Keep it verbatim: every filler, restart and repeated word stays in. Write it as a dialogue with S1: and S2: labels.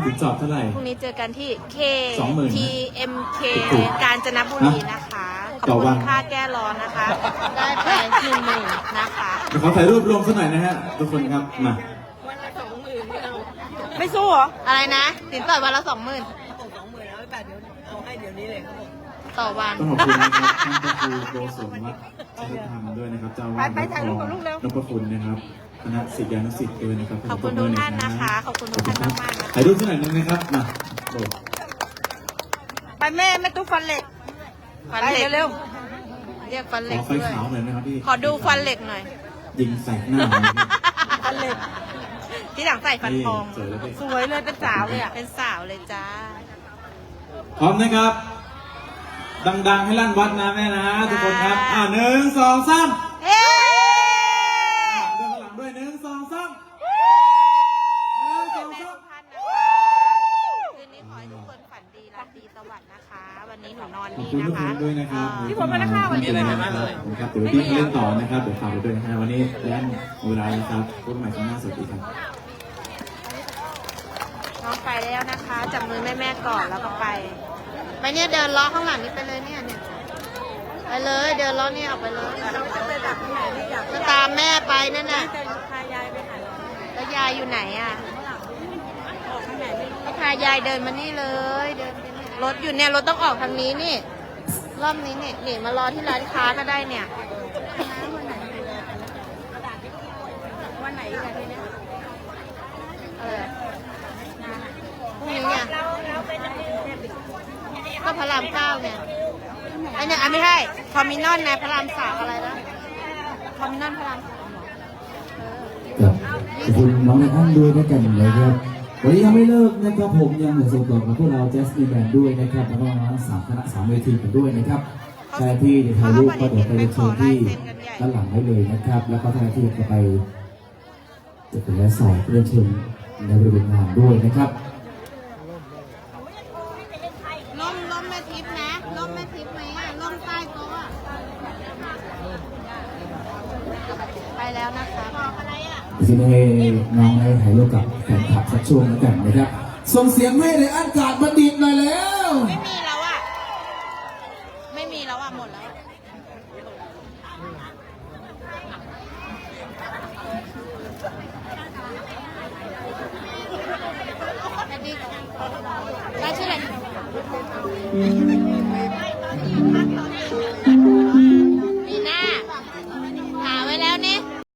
S1: สินสอดเท่าไหร่
S2: พรุ่งนี้เจอกันที่ K
S1: สองหมื่น
S2: ที เอ็ม เค กาญจนบุรีนะคะข
S1: ต่
S2: อบ
S1: อวั
S2: คุ
S1: น
S2: ณค่าแก้ร้อนนะคะ ได้ไปหนึ่งหมื่นนะคะ
S1: เดี๋ยวขอถ่ายรูปรวมสักหน่อยนะฮะทุกคนครับมา
S2: ไม่สู้เหรอ อะไรนะสินสอดวันละสองหมื่น
S3: สองหมื่นแล้วแต่เดี๋ยวเอาให้เดี๋ยวนี้เลยครับผม
S2: ต่อวัน
S1: ต้องขอบคุณนะครับท่านพระครูโกศลวัฒน์ชัยธรรมด้วยนะครับเจ้าอาวาสวัดทองนพคุณนะครับคณะศิษยานุศิษย์ด้วยนะครับ
S2: ขอบคุณทุกท่านนะคะ ขอบคุณทุกท่านมากๆนะคะ
S1: ถ่ายรูปสักหน่อยนึงนะครับมาโอ้
S3: ไปแม่แม่ตุ๊กฟันเหล็ก
S2: ฟันเหล็ก
S3: เร็ว
S2: เรียกฟันเห
S1: ข
S2: ล็ก
S1: อไฟ
S2: ด้วย
S1: ขาวหน่อยนะครับพี่
S2: ขอดูฟันเหล็กหน่อย
S1: ยิงใส่หน้าหน่อยนะครับ
S3: ฟันเหล็ก
S2: ที่หลังใส่ฟันทอง
S1: สวยแล้วพี่
S3: สวยเลยเป็นสาวเลยอ่ะ
S2: เป็นสาวเลยจ้า
S1: พร้อมนะครับ ดังๆให้ลั่นวัดนะแม่นะทุกคนครับอ่าหนึ่งสองสาม
S2: เฮ้
S1: เดินข้างหลังด้วยหนึ่งสองสามหนึ่งสองสาม
S2: ท่านนะคะคืนนี้ขอให้ทุกคนฝันดีราตรีสวัสดิ์นะคะ วันนี้หนูนอน
S1: ขอบ
S2: นี่
S1: คุณทุ
S2: นะ
S1: กค
S2: คะ
S1: นด้วยนะครับ
S2: เอ่อ
S1: ที่ผมมานะคะวันนี้อะไรบ้างเลยนะครับเดี๋ยวพี่เล่นต่อนะครับเดี๋ยวฝากไปด้วยนะฮะวันนี้แลนเวลานะครับพบกันใหม่ครั้งหน้าสวัสดีครับ
S2: น้องไปแล้วนะคะ จับมือแม่แม่ๆก่อนแล้วก็ไป ไปเนี่ยเดินล้อข้างหลังนี้ไปเลยเนี่ยเนี่ยไปเลยเดินล้อเนี่ยออกไปเลยก็ตามแม่ไปนั่นน่ะ
S3: พายายไปไหน
S2: แล้วยายอยู่ไหนอ่ะก็พายายเดินมานี่เลยเดินไปนี่รถอยู่เนี่ยรถต้องออกทางนี้นี่รอบนี้เนี่ยนี่มารอที่ร้านค้าก็ได้เนี่ย
S3: วันไหนอะไรเนี่ย
S2: เออพรุ่งนี้เนี่ยก็พระรามเก้าเนี่ยไอเนี่ยอ่ะไม่ใช่คอมมินอนนะพระรามสามอะไรนะคอมมินอนพระรามสามเหรอเออ
S4: ครับขอบคุณน้องในท่านด้วยนะกันนะครับวันนี้ยังไม่เลิกนะครับผมยังเหลือส่งต่อกับพวกเราแจ๊สมีแบนด์ด้วยนะครับแล้วก็น้องสามคณะสามเวทีกันด้วยนะครับใครที่จะถ่ายรูปก็เดี๋ยวไปเชิญที่ด้านหลังได้เลยนะครับ แล้วก็ท่านที่จะไปจะเป็นและสอบเพื่อเชิญในบริเวณงานด้วยนะครับ
S2: ล่มล่มแม่ทิพย์นะล่มแม่ทิพย์ไหมอ่ะล่มใต้โต๊ะอะไปแล้วนะคะบอกอะไรอ่ะ
S4: ทีนี้น้องได้ถ่ายรูปกับแฟนคลับสักช่วงแล้วกันนะครับส่งเสียงให้ในอากาศบัณฑิตหน่อยแล้ว
S2: ไม่มีหร